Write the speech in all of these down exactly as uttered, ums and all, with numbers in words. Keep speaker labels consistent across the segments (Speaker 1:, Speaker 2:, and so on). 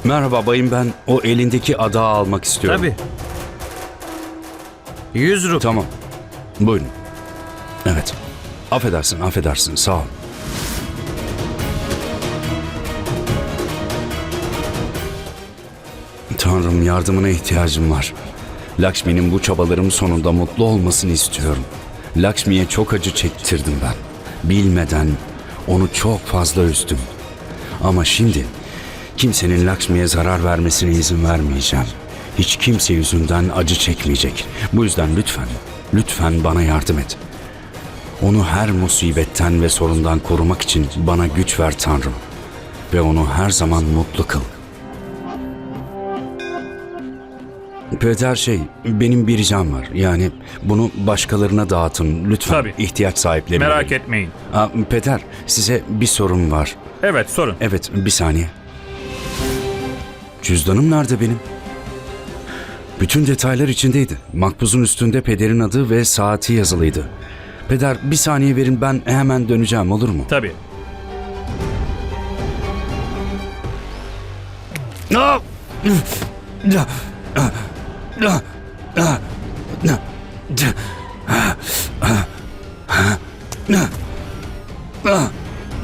Speaker 1: Merhaba bayım, ben o elindeki adağı almak istiyorum.
Speaker 2: Tabii. Yüz rupi.
Speaker 1: Tamam. Buyurun. Evet. Affedersin, affedersin. Sağ ol. Tanrım, yardımına ihtiyacım var. Lakshmi'nin bu çabalarım sonunda mutlu olmasını istiyorum. Lakshmi'ye çok acı çektirdim ben. Bilmeden onu çok fazla üzdüm. Ama şimdi kimsenin Lakshmi'ye zarar vermesine izin vermeyeceğim. Hiç kimse yüzünden acı çekmeyecek. Bu yüzden lütfen, lütfen bana yardım et. Onu her musibetten ve sorundan korumak için bana güç ver Tanrım. Ve onu her zaman mutlu kıl. Peder şey, benim bir ricam var. Yani bunu başkalarına dağıtın lütfen.
Speaker 3: Tabii.
Speaker 1: İhtiyaç sahipleri.
Speaker 3: Merak etmeyin.
Speaker 1: Aa, Peder, size bir sorum var.
Speaker 3: Evet, sorun.
Speaker 1: Evet, bir saniye. Cüzdanım nerede benim? Bütün detaylar içindeydi. Makbuzun üstünde pederin adı ve saati yazılıydı. Peder, bir saniye verin, ben hemen döneceğim, olur mu?
Speaker 3: Tabii.
Speaker 1: Ah! Ah! Ah! Ah! Ah! Ah!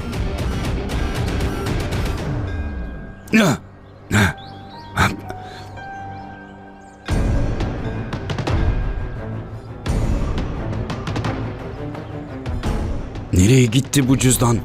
Speaker 1: Nereye gitti bu cüzdan?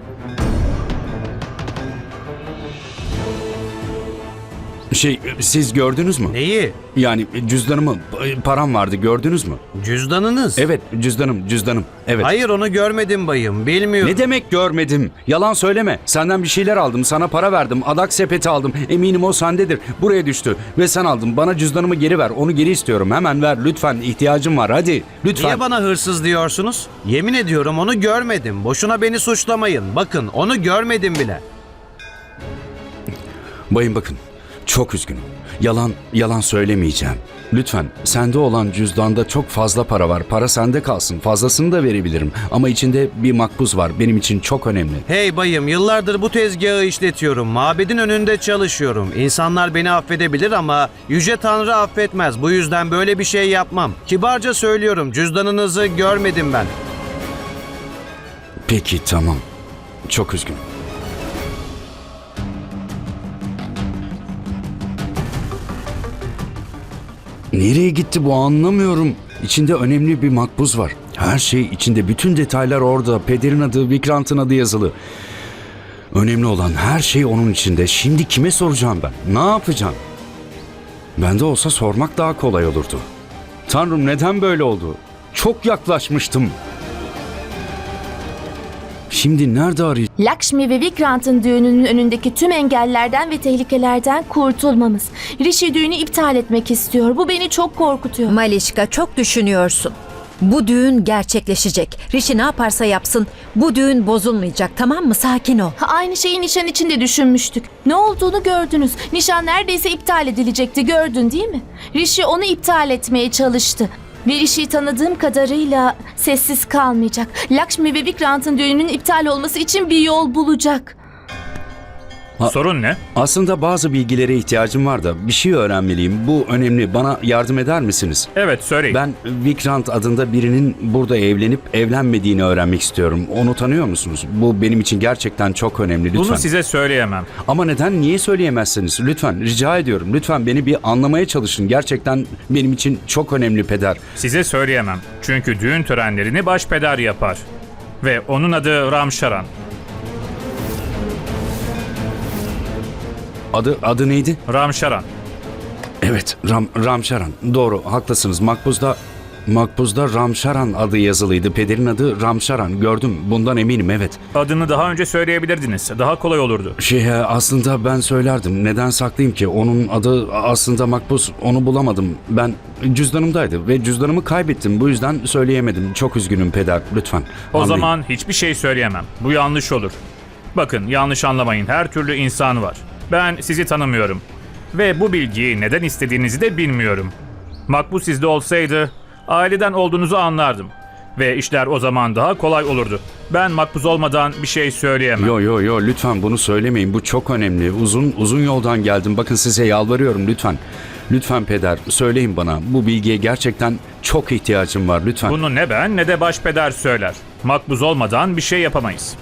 Speaker 1: Şey, siz gördünüz mü?
Speaker 2: Neyi?
Speaker 1: Yani cüzdanımı, param vardı, gördünüz mü?
Speaker 2: Cüzdanınız.
Speaker 1: Evet, cüzdanım, cüzdanım. Evet.
Speaker 2: Hayır, onu görmedim bayım. Bilmiyorum.
Speaker 1: Ne demek görmedim? Yalan söyleme. Senden bir şeyler aldım, sana para verdim, adak sepeti aldım. Eminim o sendedir. Buraya düştü ve sen aldın. Bana cüzdanımı geri ver. Onu geri istiyorum. Hemen ver lütfen. İhtiyacım var. Hadi lütfen.
Speaker 2: Niye bana hırsız diyorsunuz? Yemin ediyorum onu görmedim. Boşuna beni suçlamayın. Bakın, onu görmedim bile.
Speaker 1: Bayım bakın. Çok üzgünüm. Yalan, yalan söylemeyeceğim. Lütfen, sende olan cüzdanda çok fazla para var. Para sende kalsın. Fazlasını da verebilirim. Ama içinde bir makbuz var. Benim için çok önemli.
Speaker 2: Hey bayım, yıllardır bu tezgahı işletiyorum. Mabedin önünde çalışıyorum. İnsanlar beni affedebilir ama Yüce Tanrı affetmez. Bu yüzden böyle bir şey yapmam. Kibarca söylüyorum, cüzdanınızı görmedim ben.
Speaker 1: Peki, tamam. Çok üzgünüm. Nereye gitti bu, anlamıyorum. İçinde önemli bir makbuz var. Her şey içinde, bütün detaylar orada. Pederin adı, Vikrant'ın adı yazılı. Önemli olan her şey onun içinde. Şimdi kime soracağım ben? Ne yapacağım? Bende olsa sormak daha kolay olurdu. Tanrım, neden böyle oldu? Çok yaklaşmıştım. Şimdi nerede arayacağım?
Speaker 4: Lakshmi ve Vikrant'ın düğününün önündeki tüm engellerden ve tehlikelerden kurtulmamız. Rishi düğünü iptal etmek istiyor. Bu beni çok korkutuyor.
Speaker 5: Malişka, çok düşünüyorsun. Bu düğün gerçekleşecek. Rishi ne yaparsa yapsın bu düğün bozulmayacak, tamam mı? Sakin ol.
Speaker 4: Ha, aynı şeyi nişan için de düşünmüştük. Ne olduğunu gördünüz. Nişan neredeyse iptal edilecekti, gördün değil mi? Rishi onu iptal etmeye çalıştı. Ve Rishi'yi tanıdığım kadarıyla sessiz kalmayacak. Lakshmi ve Vikrant'ın düğününün iptal olması için bir yol bulacak.
Speaker 1: Ha-
Speaker 3: Sorun ne?
Speaker 1: Aslında bazı bilgilere ihtiyacım var da bir şey öğrenmeliyim. Bu önemli. Bana yardım eder misiniz?
Speaker 3: Evet, söyleyin.
Speaker 1: Ben Vikrant adında birinin burada evlenip evlenmediğini öğrenmek istiyorum. Onu tanıyor musunuz? Bu benim için gerçekten çok önemli. Lütfen.
Speaker 3: Bunu size söyleyemem.
Speaker 1: Ama neden? Niye söyleyemezsiniz? Lütfen, rica ediyorum. Lütfen beni bir anlamaya çalışın. Gerçekten benim için çok önemli peder.
Speaker 3: Size söyleyemem. Çünkü düğün törenlerini başpeder yapar. Ve onun adı Ramşaran.
Speaker 1: Adı adı neydi?
Speaker 3: Ramşaran.
Speaker 1: Evet, Ram Ramşaran. Doğru, haklısınız. Makbuzda Makbuzda Ramşaran adı yazılıydı. Pederin adı Ramşaran. Gördüm. Bundan eminim, evet.
Speaker 3: Adını daha önce söyleyebilirdiniz. Daha kolay olurdu.
Speaker 1: Şey, aslında ben söylerdim. Neden saklayayım ki? Onun adı aslında Makbuz. Onu bulamadım. Ben cüzdanımdaydı ve cüzdanımı kaybettim. Bu yüzden söyleyemedim. Çok üzgünüm peder. Lütfen.
Speaker 3: O
Speaker 1: anlayın.
Speaker 3: zaman hiçbir şey söyleyemem. Bu yanlış olur. Bakın, yanlış anlamayın. Her türlü insan var. Ben sizi tanımıyorum. Ve bu bilgiyi neden istediğinizi de bilmiyorum. Makbuz sizde olsaydı aileden olduğunuzu anlardım. Ve işler o zaman daha kolay olurdu. Ben makbuz olmadan bir şey söyleyemem.
Speaker 1: Yo yo yo lütfen bunu söylemeyin. Bu çok önemli. Uzun uzun yoldan geldim. Bakın size yalvarıyorum lütfen. Lütfen peder söyleyin bana. Bu bilgiye gerçekten çok ihtiyacım var lütfen.
Speaker 3: Bunu ne ben ne de başpeder söyler. Makbuz olmadan bir şey yapamayız.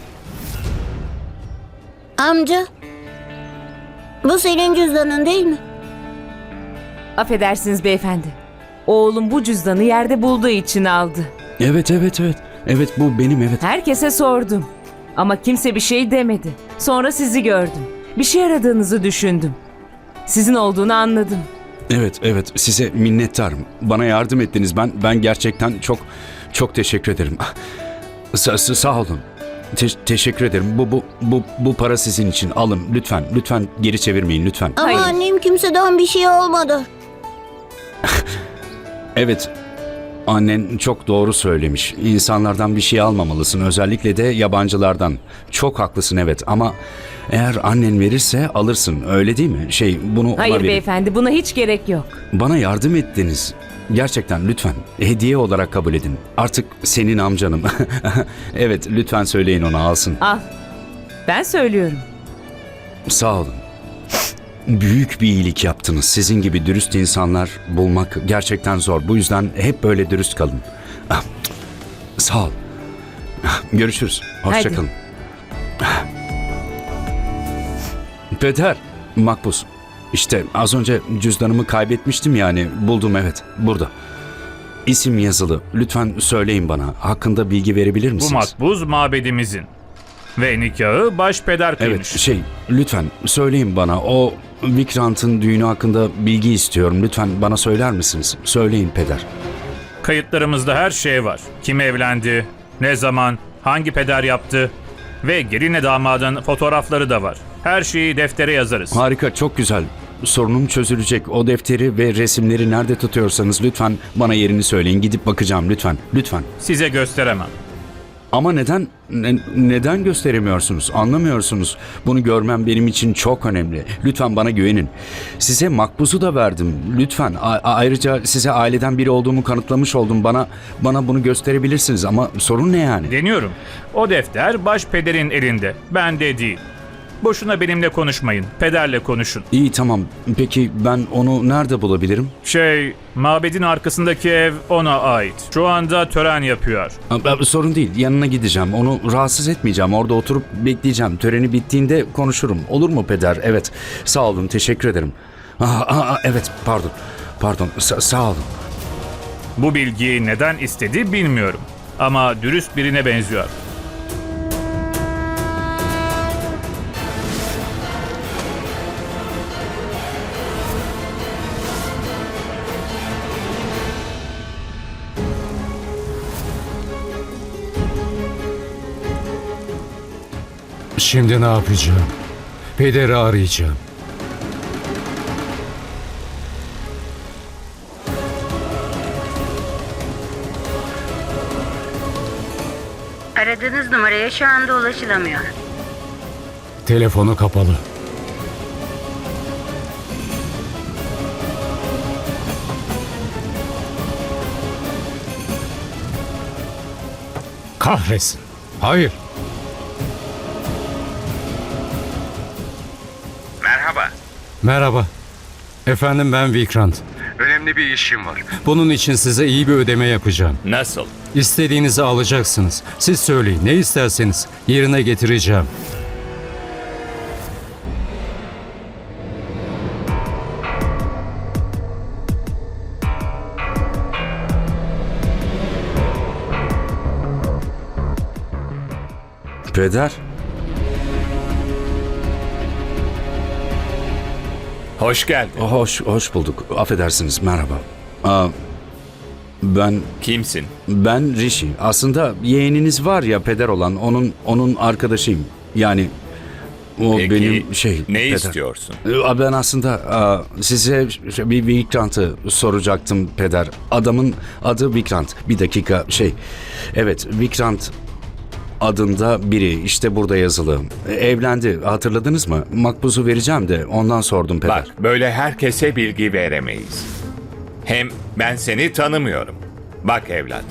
Speaker 6: Amca, bu senin cüzdanın değil mi?
Speaker 7: Affedersiniz beyefendi. Oğlum bu cüzdanı yerde bulduğu için aldı.
Speaker 1: Evet evet evet. Evet bu benim evet.
Speaker 7: Herkese sordum. Ama kimse bir şey demedi. Sonra sizi gördüm. Bir şey aradığınızı düşündüm. Sizin olduğunu anladım.
Speaker 1: Evet evet size minnettarım. Bana yardım ettiniz. Ben ben gerçekten çok çok teşekkür ederim. Sa- sa- sağ olun. Te- teşekkür ederim. Bu bu bu bu para sizin için. Alın lütfen. Lütfen geri çevirmeyin lütfen.
Speaker 6: Ama
Speaker 7: Hayır.
Speaker 6: annem kimseden bir şey olmadı.
Speaker 1: Evet. Annen çok doğru söylemiş. İnsanlardan bir şey almamalısın. Özellikle de yabancılardan. Çok haklısın evet ama eğer annen verirse alırsın. Öyle değil mi? Şey bunu ona
Speaker 7: Hayır
Speaker 1: verin.
Speaker 7: beyefendi, buna hiç gerek yok.
Speaker 1: Bana yardım ettiniz. Gerçekten lütfen. Hediye olarak kabul edin. Artık senin amcanım. Evet lütfen söyleyin ona alsın.
Speaker 7: Al. Ben söylüyorum.
Speaker 1: Sağ olun. Büyük bir iyilik yaptınız. Sizin gibi dürüst insanlar bulmak gerçekten zor. Bu yüzden hep böyle dürüst kalın. Ah, sağ ol. Ah, görüşürüz. Hoşça
Speaker 7: Hadi.
Speaker 1: kalın. Peder, Makbuz. İşte az önce cüzdanımı kaybetmiştim yani. Buldum evet. Burada. İsim yazılı. Lütfen söyleyin bana. Hakkında bilgi verebilir
Speaker 3: Bu
Speaker 1: misiniz?
Speaker 3: makbuz mabedimizin. Ve nikahı başpeder
Speaker 1: Evet
Speaker 3: kıymış.
Speaker 1: şey lütfen söyleyin bana o Vikrant'ın düğünü hakkında bilgi istiyorum. Lütfen bana söyler misiniz? Söyleyin peder.
Speaker 3: Kayıtlarımızda her şey var. Kim evlendi, ne zaman, hangi peder yaptı ve gelinle damadın fotoğrafları da var. Her şeyi deftere yazarız.
Speaker 1: Harika çok güzel. Sorunum çözülecek. O defteri ve resimleri nerede tutuyorsanız lütfen bana yerini söyleyin. Gidip bakacağım lütfen. Lütfen.
Speaker 3: Size gösteremem.
Speaker 1: Ama neden ne- neden gösteremiyorsunuz? Anlamıyorsunuz. Bunu görmem benim için çok önemli. Lütfen bana güvenin. Size makbuzu da verdim. Lütfen. A- ayrıca size aileden biri olduğumu kanıtlamış oldum. Bana bana bunu gösterebilirsiniz ama sorun ne yani?
Speaker 3: Deniyorum. O defter başpederin elinde. Bende değil. Boşuna benimle konuşmayın. Pederle konuşun.
Speaker 1: İyi tamam. Peki ben onu nerede bulabilirim?
Speaker 3: Şey, mabedin arkasındaki ev ona ait. Şu anda tören yapıyor.
Speaker 1: Ha, ben- Sorun değil. Yanına gideceğim. Onu rahatsız etmeyeceğim. Orada oturup bekleyeceğim. Töreni bittiğinde konuşurum. Olur mu peder? Evet. Sağ olun. Teşekkür ederim. Aa, aa, aa, evet. Pardon. Pardon. Sa- sağ olun.
Speaker 3: Bu bilgiyi neden istedi bilmiyorum. Ama dürüst birine benziyor.
Speaker 8: Şimdi ne yapacağım? Pederi arayacağım.
Speaker 9: Aradığınız numaraya şu anda ulaşılamıyor.
Speaker 8: Telefonu kapalı. Kahretsin. Hayır.
Speaker 10: Merhaba.
Speaker 8: Merhaba. Efendim ben Vikrant.
Speaker 10: Önemli bir işim var.
Speaker 8: Bunun için size iyi bir ödeme yapacağım.
Speaker 10: Nasıl?
Speaker 8: İstediğinizi alacaksınız. Siz söyleyin ne isterseniz yerine getireceğim.
Speaker 1: Peder.
Speaker 10: Hoş geldin.
Speaker 1: Hoş hoş bulduk. Affedersiniz. Merhaba. Aa, ben
Speaker 10: Kimsin?
Speaker 1: ben Rishi. Aslında yeğeniniz var ya peder olan. Onun onun arkadaşıyım. Yani o
Speaker 10: Peki,
Speaker 1: benim şey.
Speaker 10: ne
Speaker 1: peder.
Speaker 10: istiyorsun?
Speaker 1: Aa, Ben aslında aa, size bir Vikrant'ı soracaktım peder. Adamın adı Vikrant. Bir dakika şey. Evet Vikrant adında biri işte burada yazılı. Evlendi hatırladınız mı? Makbuzu vereceğim de ondan sordum peder.
Speaker 10: Bak, böyle herkese bilgi veremeyiz. Hem ben seni tanımıyorum. Bak evlat,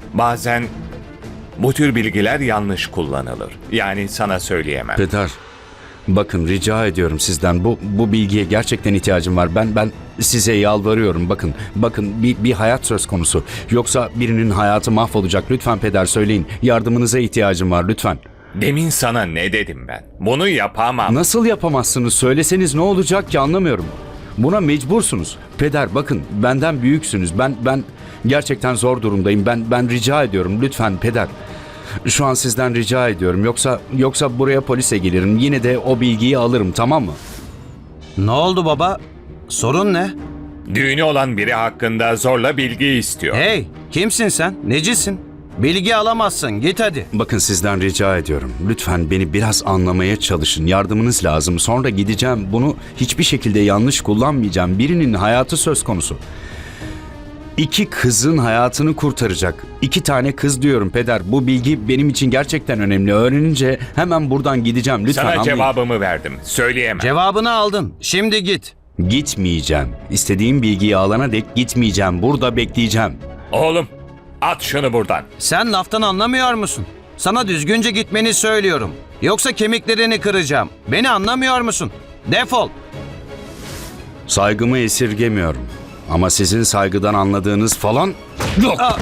Speaker 10: Bazen bu tür bilgiler yanlış kullanılır. Yani sana söyleyemem.
Speaker 1: Peder, bakın rica ediyorum sizden bu bu bilgiye gerçekten ihtiyacım var. Ben ben size yalvarıyorum. Bakın, bakın bir bir hayat söz konusu. Yoksa birinin hayatı mahvolacak. Lütfen peder söyleyin. Yardımınıza ihtiyacım var lütfen.
Speaker 10: Demin sana ne dedim ben? Bunu yapamam.
Speaker 1: Nasıl yapamazsınız? Söyleseniz ne olacak ki anlamıyorum. Buna mecbursunuz. Peder bakın benden büyüksünüz. Ben ben gerçekten zor durumdayım. Ben ben rica ediyorum lütfen peder. Şu an sizden rica ediyorum. Yoksa yoksa buraya polise gelirim. Yine de o bilgiyi alırım, tamam mı?
Speaker 2: Ne oldu baba? Sorun ne?
Speaker 10: Düğünü olan biri hakkında zorla bilgi istiyor.
Speaker 2: Hey, kimsin sen? Necisin? Bilgi alamazsın. Git hadi.
Speaker 1: Bakın sizden rica ediyorum. Lütfen beni biraz anlamaya çalışın. Yardımınız lazım. Sonra gideceğim. Bunu hiçbir şekilde yanlış kullanmayacağım. Birinin hayatı söz konusu. İki kızın hayatını kurtaracak. İki tane kız diyorum peder. Bu bilgi benim için gerçekten önemli. Öğrenince hemen buradan gideceğim. Lütfen
Speaker 10: Sana
Speaker 1: anlayın.
Speaker 10: cevabımı verdim. Söyleyemem.
Speaker 2: Cevabını aldın. Şimdi git.
Speaker 1: Gitmeyeceğim. İstediğim bilgiyi alana dek gitmeyeceğim. Burada bekleyeceğim.
Speaker 10: Oğlum, at şunu buradan.
Speaker 2: Sen laftan anlamıyor musun? Sana düzgünce gitmeni söylüyorum. Yoksa kemiklerini kıracağım. Beni anlamıyor musun? Defol.
Speaker 1: Saygımı esirgemiyorum. Ama sizin saygıdan anladığınız falan yok.
Speaker 2: Aa,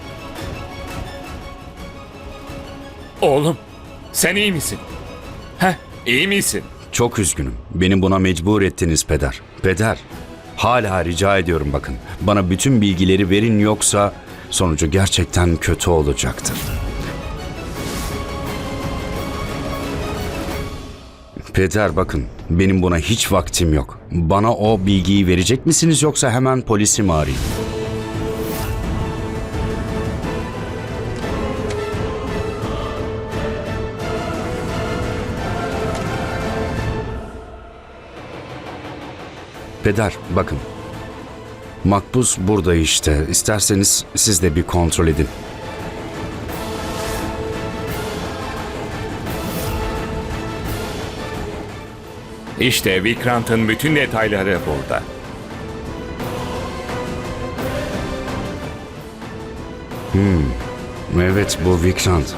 Speaker 10: Oğlum, sen iyi misin? Heh, iyi misin?
Speaker 1: Çok üzgünüm. Beni buna mecbur ettiniz peder. Peder, hala rica ediyorum bakın. Bana bütün bilgileri verin yoksa sonucu gerçekten kötü olacaktır. Peder bakın, benim buna hiç vaktim yok. Bana o bilgiyi verecek misiniz yoksa hemen polisi mi arayayım? Peder, bakın. Makbuz burada işte. İsterseniz siz de bir kontrol edin.
Speaker 10: İşte Vikrant'ın bütün detayları burada.
Speaker 1: Evet, bu Vikrant.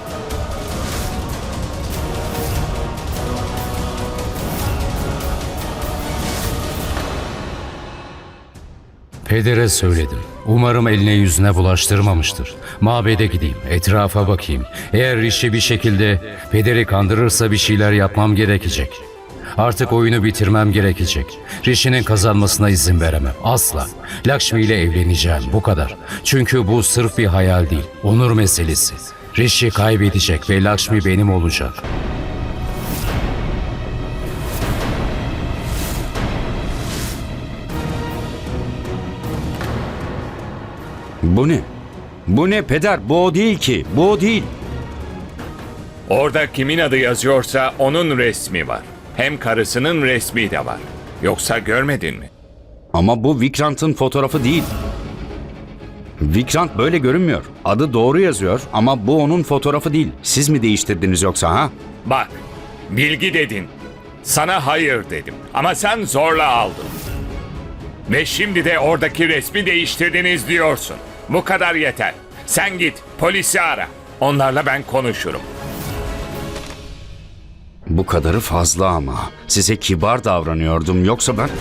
Speaker 8: Pedere söyledim. Umarım eline yüzüne bulaştırmamıştır. Mabede gideyim, etrafa bakayım. Eğer Rishi bir şekilde pederi kandırırsa bir şeyler yapmam gerekecek. Artık oyunu bitirmem gerekecek. Rishi'nin kazanmasına izin veremem. Asla. Lakshmi ile evleneceğim. Bu kadar. Çünkü bu sırf bir hayal değil. Onur meselesi. Rishi kaybedecek ve Lakshmi benim olacak.
Speaker 1: Bu ne? Bu ne peder? Bu o değil ki. Bu o değil.
Speaker 10: Orada kimin adı yazıyorsa onun resmi var. Hem karısının resmi de var. Yoksa görmedin mi?
Speaker 1: Ama bu Vikrant'ın fotoğrafı değil. Vikrant böyle görünmüyor. Adı doğru yazıyor ama bu onun fotoğrafı değil. Siz mi değiştirdiniz yoksa ha?
Speaker 10: Bak, bilgi dedin. Sana hayır dedim. Ama sen zorla aldın. Ve şimdi de oradaki resmi değiştirdiniz diyorsun. Bu kadar yeter. Sen git, polisi ara. Onlarla ben konuşurum.
Speaker 1: Bu kadarı fazla ama. Size kibar davranıyordum yoksa ben...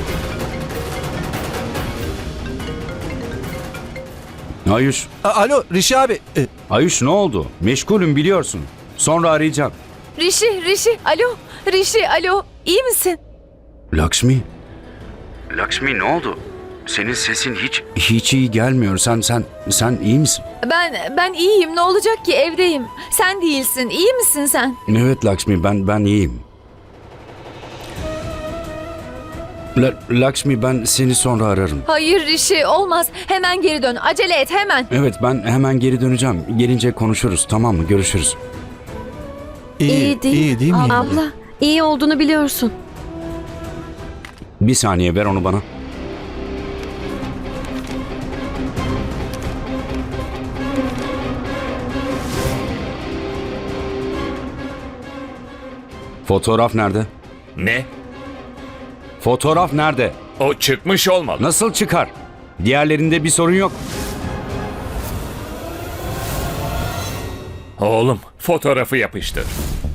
Speaker 1: Ayuş,
Speaker 11: A- Alo Rishi abi. E,
Speaker 1: Ayuş ne oldu? Meşgulüm biliyorsun. Sonra arayacağım.
Speaker 4: Rishi, Rishi, alo. Rishi, alo. İyi misin?
Speaker 1: Lakshmi? Lakshmi ne oldu? Senin sesin hiç... Hiç iyi gelmiyor. Sen, sen, sen iyi misin?
Speaker 4: Ben ben iyiyim. Ne olacak ki? Evdeyim. Sen değilsin. İyi misin sen?
Speaker 1: Evet Lakshmi, ben ben iyiyim. La, Lakshmi ben seni sonra ararım.
Speaker 4: Hayır Rishi, olmaz. Hemen geri dön. Acele et hemen.
Speaker 1: Evet ben hemen geri döneceğim. Gelince konuşuruz, tamam mı? Görüşürüz.
Speaker 11: iyi,
Speaker 4: İyi değil.
Speaker 11: iyi değil mi?
Speaker 4: Abla, iyi olduğunu biliyorsun.
Speaker 1: Bir saniye ver onu bana. Fotoğraf nerede?
Speaker 10: Ne?
Speaker 1: Fotoğraf nerede?
Speaker 10: O çıkmış olmalı.
Speaker 1: Nasıl çıkar? Diğerlerinde bir sorun yok.
Speaker 10: Oğlum, fotoğrafı yapıştır.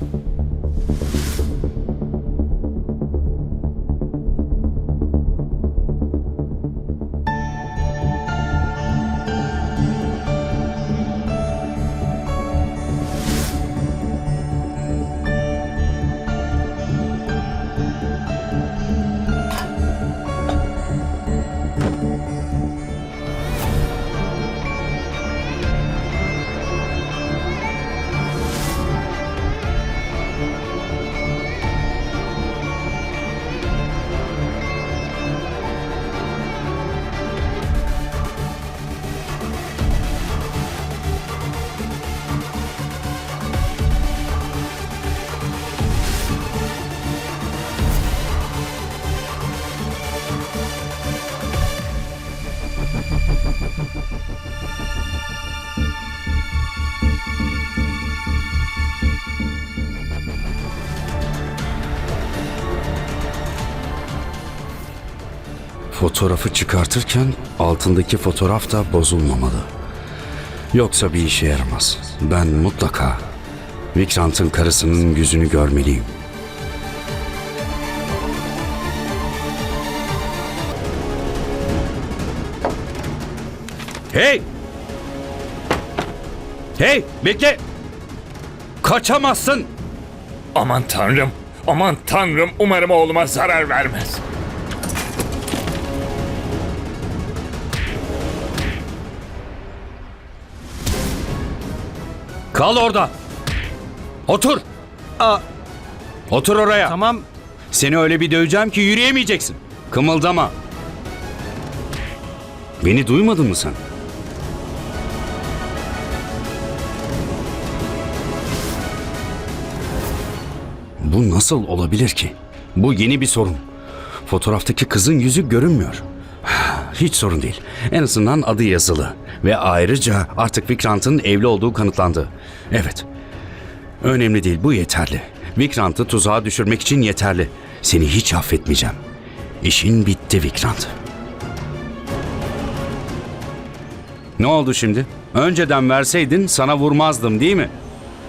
Speaker 1: Fotoğrafı çıkartırken altındaki fotoğraf da bozulmamalı. Yoksa bir işe yaramaz. Ben mutlaka Vikrant'ın karısının yüzünü görmeliyim. Hey! Hey! Bekle! Kaçamazsın!
Speaker 10: Aman tanrım, aman tanrım, umarım oğluma zarar vermez.
Speaker 1: Kal orada! Otur!
Speaker 2: Aa,
Speaker 1: Otur oraya!
Speaker 2: tamam.
Speaker 1: Seni öyle bir döveceğim ki yürüyemeyeceksin. Kımıldama. Beni duymadın mı sen? Bu nasıl olabilir ki? Bu yeni bir sorun. Fotoğraftaki kızın yüzü görünmüyor. Hiç sorun değil. En azından adı yazılı. Ve ayrıca artık Vikrant'ın evli olduğu kanıtlandı. Evet. Önemli değil, bu yeterli. Vikrant'ı tuzağa düşürmek için yeterli. Seni hiç affetmeyeceğim. İşin bitti Vikrant. Ne oldu şimdi? Önceden verseydin sana vurmazdım değil mi?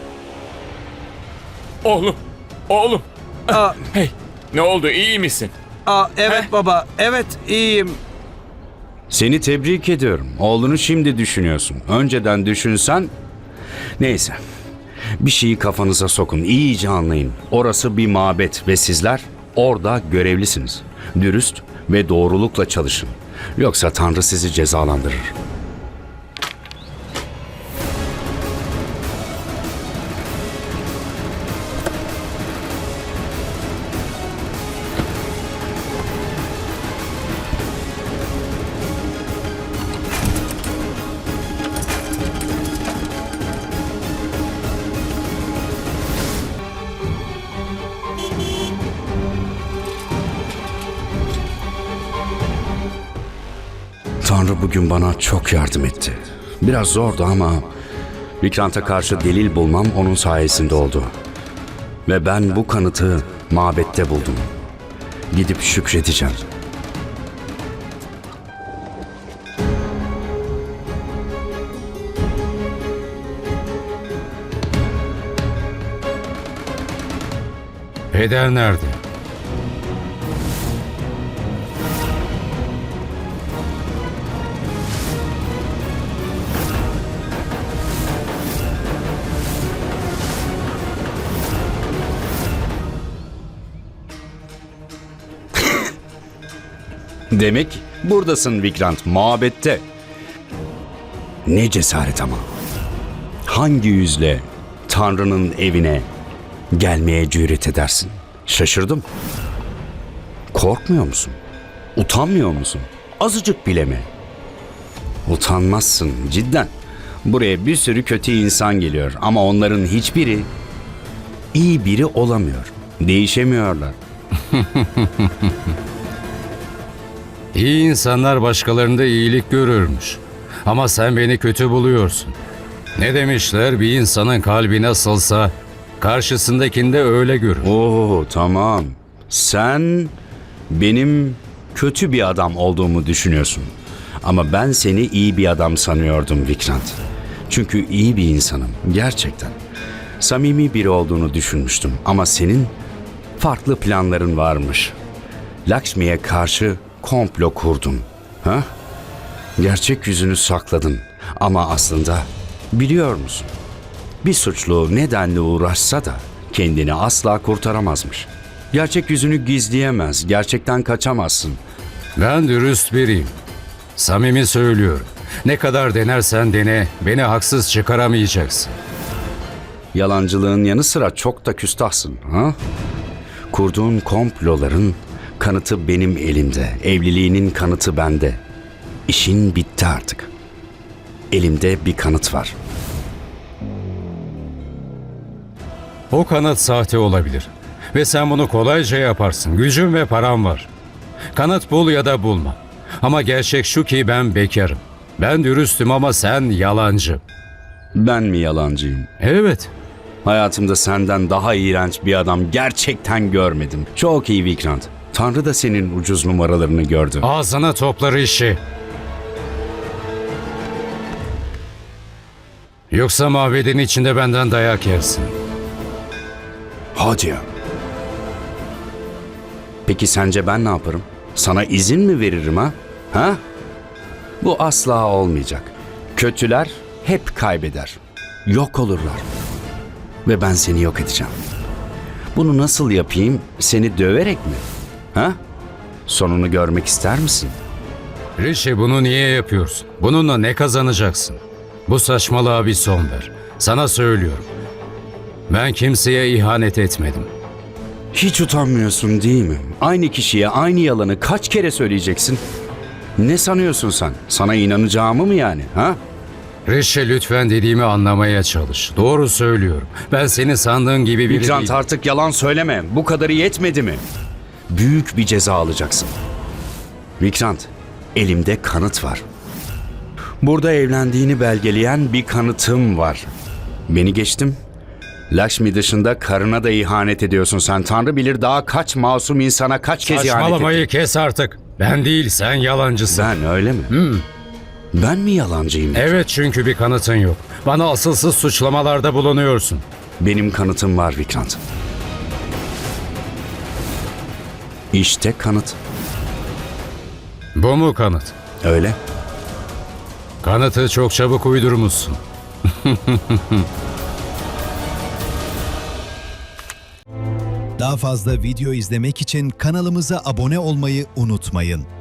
Speaker 10: Oğlum, oğlum.
Speaker 2: Aa,
Speaker 10: Hey, ne oldu, iyi misin?
Speaker 2: aa, evet baba, evet iyiyim.
Speaker 1: Seni tebrik ediyorum. Oğlunu şimdi düşünüyorsun. Önceden düşünsen... Neyse. Bir şeyi kafanıza sokun. İyice anlayın. Orası bir mabet ve sizler orada görevlisiniz. Dürüst ve doğrulukla çalışın. Yoksa Tanrı sizi cezalandırır. Tanrı bugün bana çok yardım etti. Biraz zordu ama Vikrant'a karşı delil bulmam onun sayesinde oldu. Ve ben bu kanıtı mabette buldum. Gidip şükredeceğim.
Speaker 8: Peder nerede?
Speaker 1: Demek buradasın Vikrant, mabette. Ne cesaret ama. Hangi yüzle Tanrı'nın evine gelmeye cüret edersin? Şaşırdım. Korkmuyor musun? Utanmıyor musun? Azıcık bile mi? Utanmazsın cidden. Buraya bir sürü kötü insan geliyor ama onların hiçbiri iyi biri olamıyor. Değişemiyorlar.
Speaker 8: İyi insanlar başkalarında iyilik görürmüş. Ama sen beni kötü buluyorsun. Ne demişler, bir insanın kalbi nasılsa karşısındakinde öyle görür.
Speaker 1: Oo tamam. Sen benim kötü bir adam olduğumu düşünüyorsun. Ama ben seni iyi bir adam sanıyordum Vikrant. Çünkü iyi bir insanım, gerçekten. Samimi biri olduğunu düşünmüştüm ama senin farklı planların varmış. Lakshmi'ye karşı komplo kurdun. Ha? Gerçek yüzünü sakladın ama aslında biliyor musun? Bir suçlu nedenle uğraşsa da kendini asla kurtaramazmış. Gerçek yüzünü gizleyemez, gerçekten kaçamazsın.
Speaker 8: Ben dürüst biriyim. Samimi söylüyorum. Ne kadar denersen dene, beni haksız çıkaramayacaksın.
Speaker 1: Yalancılığın yanı sıra çok da küstahsın, ha? Kurduğun komploların kanıtı benim elimde, evliliğinin kanıtı bende. İşin bitti artık. Elimde bir kanıt var.
Speaker 8: O kanıt sahte olabilir. Ve sen bunu kolayca yaparsın. Gücün ve param var. Kanıt bul ya da bulma. Ama gerçek şu ki ben bekarım. Ben dürüstüm ama sen yalancı.
Speaker 1: Ben mi yalancıyım?
Speaker 8: Evet.
Speaker 1: Hayatımda senden daha iğrenç bir adam gerçekten görmedim. Çok iyi Vikrant. Tanrı da senin ucuz numaralarını gördü.
Speaker 8: Ağzına toplar işi. Yoksa mabedin içinde benden dayak yersin.
Speaker 1: Hadi ya. Peki sence ben ne yaparım? Sana izin mi veririm ha? Ha? Bu asla olmayacak. Kötüler hep kaybeder. Yok olurlar. Ve ben seni yok edeceğim. Bunu nasıl yapayım? Seni döverek mi? Ha? Sonunu görmek ister misin?
Speaker 8: Rishi, bunu niye yapıyorsun? Bununla ne kazanacaksın? Bu saçmalığa bir son ver. Sana söylüyorum. Ben kimseye ihanet etmedim.
Speaker 1: Hiç utanmıyorsun değil mi? Aynı kişiye aynı yalanı kaç kere söyleyeceksin? Ne sanıyorsun sen? Sana inanacağımı mı yani? Ha?
Speaker 8: Rishi, lütfen dediğimi anlamaya çalış. Doğru söylüyorum. Ben seni sandığın gibi biri
Speaker 1: Vikrant,
Speaker 8: değilim.
Speaker 1: artık yalan söyleme. Bu kadarı yetmedi mi? Büyük bir ceza alacaksın. Vikrant, elimde kanıt var. Burada evlendiğini belgeleyen bir kanıtım var. Beni geçtim. Lakshmi dışında karına da ihanet ediyorsun sen. Tanrı bilir daha kaç masum insana kaç kez ihanet ettin.
Speaker 8: Saçmalamayı kes artık. Ben değil, sen yalancısın.
Speaker 1: Ben öyle mi?
Speaker 8: Hmm.
Speaker 1: Ben mi yalancıyım?
Speaker 8: Evet, çünkü bir kanıtın yok. Bana asılsız suçlamalarda bulunuyorsun.
Speaker 1: Benim kanıtım var Vikrant. İşte kanıt.
Speaker 8: Bu mu kanıt?
Speaker 1: Öyle.
Speaker 8: Kanıtı çok çabuk uydurmuşsun.
Speaker 12: Daha fazla video izlemek için kanalımıza abone olmayı unutmayın.